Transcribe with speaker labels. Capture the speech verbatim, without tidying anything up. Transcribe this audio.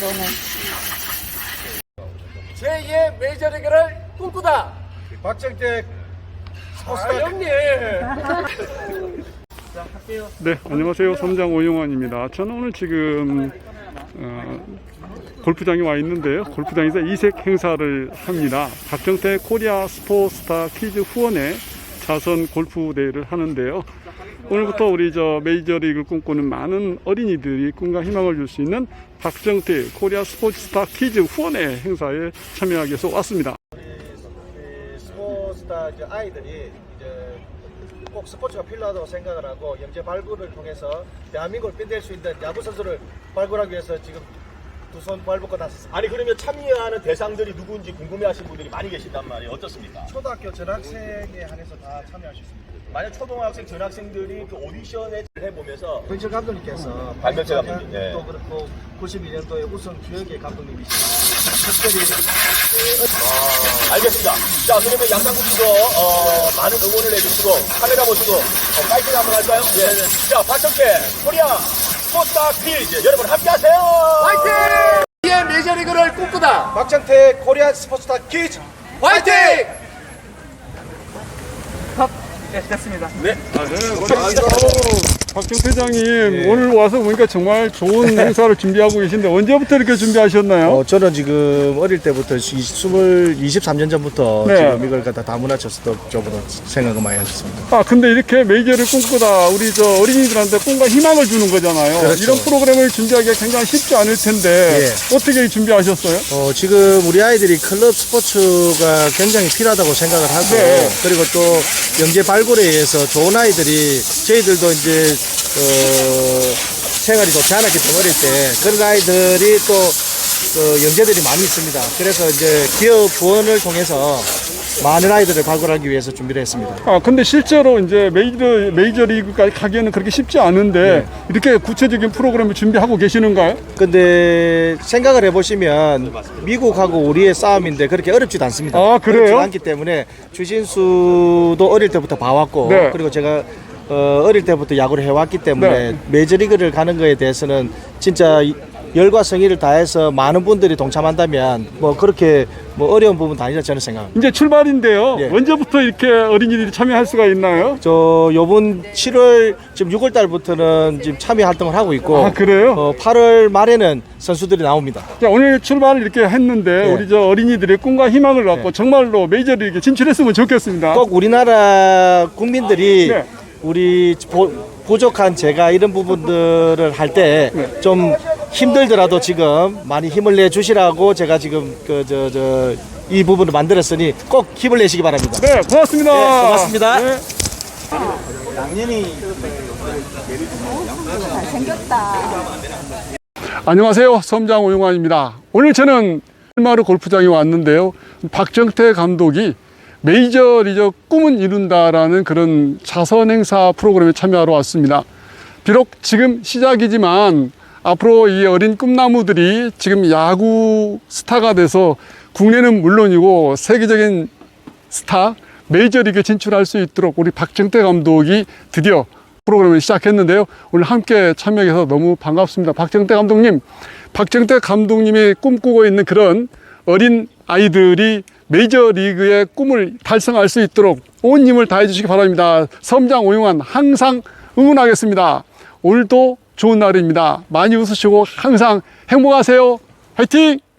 Speaker 1: 오늘.
Speaker 2: 제이의 메이저리그를 꿈꾸다.
Speaker 3: 박정택
Speaker 2: 아, 형님.
Speaker 4: 네, 안녕하세요. 섬장 오용환입니다. 저는 오늘 지금 어, 골프장에 와 있는데요. 골프장에서 이색 행사를 합니다. 박정택 코리아 스포츠스타 키즈 후원회 자선 골프 대회를 하는데요. 오늘부터 우리 저 메이저리그를 꿈꾸는 많은 어린이들이 꿈과 희망을 줄 수 있는 박정택 코리아 스포츠스타 키즈 후원회 행사에 참여하기 위해서 왔습니다.
Speaker 3: 우리 스포츠스타 이제 아이들이 이제 꼭 스포츠가 필요하다고 생각을 하고 영재 발굴을 통해서 대한민국을 빛낼 수 있는 야구 선수를 발굴하기 위해서 지금 두 손 발벗고 나섰습니다.
Speaker 5: 아니 그러면 참여하는 대상들이 누구인지 궁금해하시는 분들이 많이 계신단 말이에요. 어떻습니까?
Speaker 3: 초등학교 전학생에 한해서 다 참여할 수 있습니다.
Speaker 5: 만약 초등학생, 전학생들이 그 오디션에 해보면서
Speaker 3: 변철 감독님께서
Speaker 5: 반면철 감독님, 예.
Speaker 3: 또 그렇고 구십이 년도에 우승 주역의 감독님이시고 특별히
Speaker 5: 아, 알겠습니다. 자 그러면 양상국님도 어, 많은 응원을 해주시고 카메라 보시고 어, 파이팅 한번 할까요? 예. 자 박정택 코리아 스포츠스타 퀴즈 여러분 함께하세요.
Speaker 2: 화이팅! 제이의 메이저리그를 꿈꾸다.
Speaker 3: 박정택 코리아 스포츠스타 퀴즈
Speaker 2: 화이팅!
Speaker 4: 네, 박정 회장님, 네. 오늘 와서 보니까 정말 좋은 행사를 준비하고 계신데 언제부터 이렇게 준비하셨나요?
Speaker 3: 어, 저는 지금 어릴 때부터 이십삼 년 전부터
Speaker 4: 네.
Speaker 3: 지금 이걸 갖다 다문화쳤을 쪽으로 생각을 많이 했습니다.
Speaker 4: 아, 근데 이렇게 메이저를 꿈꾸다 우리 저 어린이들한테 꿈과 희망을 주는 거잖아요.
Speaker 3: 그렇죠.
Speaker 4: 이런 프로그램을 준비하기가 굉장히 쉽지 않을 텐데
Speaker 3: 예.
Speaker 4: 어떻게 준비하셨어요?
Speaker 3: 어, 지금 우리 아이들이 클럽 스포츠가 굉장히 필요하다고 생각을 하고
Speaker 4: 네.
Speaker 3: 그리고 또 영재 발굴에 의해서 좋은 아이들이 저희들도 이제 어, 생활이 좋지 않았기 때문에 어릴 때 그런 아이들이 또 어, 영재들이 많이 있습니다. 그래서 이제 기업 후원을 통해서 많은 아이들을 발굴하기 위해서 준비를 했습니다.
Speaker 4: 아, 근데 실제로 이제 메이저, 메이저리그까지 가기에는 그렇게 쉽지 않은데
Speaker 3: 네.
Speaker 4: 이렇게 구체적인 프로그램을 준비하고 계시는가요?
Speaker 3: 근데 생각을 해보시면 미국하고 우리의 싸움인데 그렇게 어렵지도 않습니다.
Speaker 4: 아, 그래요?
Speaker 3: 어렵지 않기 때문에 추신수도 어릴 때부터 봐왔고
Speaker 4: 네.
Speaker 3: 그리고 제가 어, 어릴 때부터 야구를 해왔기 때문에
Speaker 4: 네.
Speaker 3: 메이저리그를 가는 거에 대해서는 진짜 열과 성의를 다해서 많은 분들이 동참한다면 뭐 그렇게 뭐 어려운 부분도 아니라 저는 생각합니다.
Speaker 4: 이제 출발인데요.
Speaker 3: 예.
Speaker 4: 언제부터 이렇게 어린이들이 참여할 수가 있나요?
Speaker 3: 저 요번 칠월 지금 유월 달부터는 지금 참여 활동을 하고 있고
Speaker 4: 아, 그래요?
Speaker 3: 어, 팔월 말에는 선수들이 나옵니다.
Speaker 4: 자, 오늘 출발을 이렇게 했는데
Speaker 3: 네.
Speaker 4: 우리 저 어린이들의 꿈과 희망을 갖고
Speaker 3: 네.
Speaker 4: 정말로 메이저리그에 진출했으면 좋겠습니다.
Speaker 3: 꼭 우리나라 국민들이
Speaker 4: 네.
Speaker 3: 우리 보, 부족한 제가 이런 부분들을 할 때 좀 힘들더라도 지금 많이 힘을 내 주시라고 제가 지금 그 저 저 이 부분을 만들었으니 꼭 힘을 내시기 바랍니다.
Speaker 4: 네, 고맙습니다.
Speaker 3: 네, 고맙습니다.
Speaker 4: 네.
Speaker 1: 잘생겼다.
Speaker 4: 안녕하세요. 섬장 오용환입니다. 오늘 저는 일마루 골프장에 왔는데요. 박정택 감독이 메이저리그 꿈은 이룬다라는 그런 자선 행사 프로그램에 참여하러 왔습니다. 비록 지금 시작이지만 앞으로 이 어린 꿈나무들이 지금 야구 스타가 돼서 국내는 물론이고 세계적인 스타 메이저리그에 진출할 수 있도록 우리 박정택 감독이 드디어 프로그램을 시작했는데요. 오늘 함께 참여해서 너무 반갑습니다. 박정택 감독님, 박정택 감독님이 꿈꾸고 있는 그런 어린 아이들이 메이저리그의 꿈을 달성할 수 있도록 온 힘을 다해 주시기 바랍니다. 섬장 오용환 항상 응원하겠습니다. 오늘도 좋은 날입니다. 많이 웃으시고 항상 행복하세요. 화이팅!